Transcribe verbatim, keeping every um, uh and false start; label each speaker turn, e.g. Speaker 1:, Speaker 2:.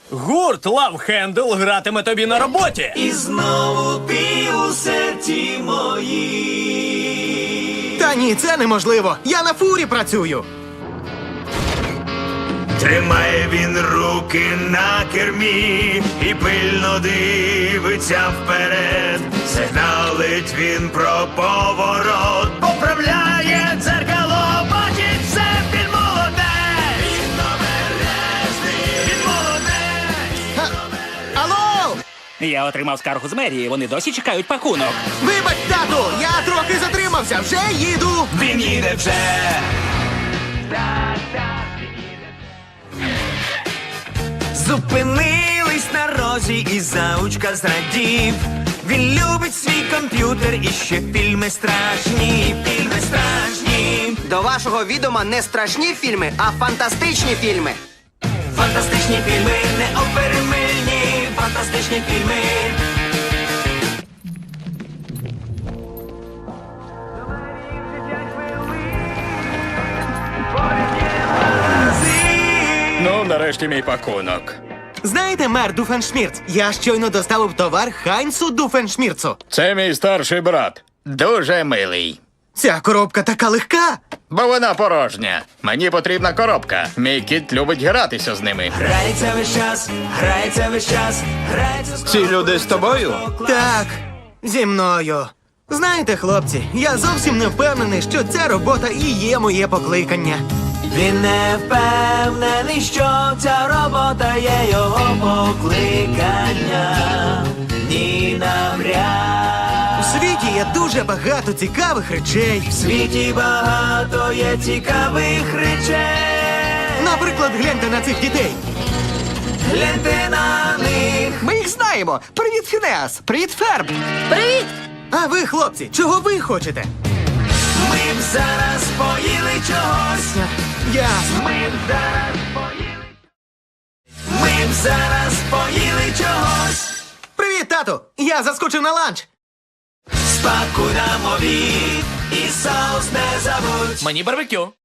Speaker 1: Гурт Love Handle гратиме тобі на роботі.
Speaker 2: І знову ти у серці мої.
Speaker 3: Та ні, це неможливо. Я на фурі працюю.
Speaker 2: Тримає він руки на кермі і пильно дивиться вперед. Сигналить він про поворот, поправляє дзеркало, бачить все, він молодець. Він обережний, він молодець.
Speaker 3: Алло!
Speaker 4: Я отримав скаргу з мерії, вони досі чекають пакунок.
Speaker 3: Вибач, тату, я трохи затримався, вже їду.
Speaker 2: Він їде вже. Зупинились на розі і заучка зрадів. Він любить свій комп'ютер і ще фільми страшні, фільми страшні.
Speaker 5: До вашого відома не страшні фільми, а фантастичні фільми.
Speaker 2: Фантастичні фільми, неоперемильні, фантастичні фільми.
Speaker 1: Ну, нарешті мій пакунок.
Speaker 3: Знаєте, мер Дуфеншмірц, я щойно доставив товар Хайнцу Дуфеншмірцу.
Speaker 1: Це мій старший брат.
Speaker 6: Дуже милий.
Speaker 3: Ця коробка така легка.
Speaker 6: Бо вона порожня. Мені потрібна коробка. Мій кіт любить гратися з ними.
Speaker 2: Грається весь час, грається весь час, грається з
Speaker 6: Ці люди з тобою?
Speaker 3: Так, зі мною. Знаєте, хлопці, я зовсім не впевнений, що ця робота і є моє покликання.
Speaker 2: Він не впевнений, що ця робота є його покликання. Ні, навряд.
Speaker 3: У світі є дуже багато цікавих речей.
Speaker 2: В світі багато є цікавих речей.
Speaker 3: Наприклад, гляньте на цих дітей.
Speaker 2: Гляньте на них.
Speaker 5: Ми їх знаємо. Привіт, Фінеас! Привіт, Ферб!
Speaker 3: А ви, хлопці, чого ви хочете?
Speaker 2: Ми б зараз поїли чогось.
Speaker 3: Я...
Speaker 2: Ми б зараз поїли. Ми б зараз поїли чогось.
Speaker 3: Привіт, тату! Я заскочив на ланч.
Speaker 2: Спакуй нам обід і соус не забудь.
Speaker 1: Мені барбекю.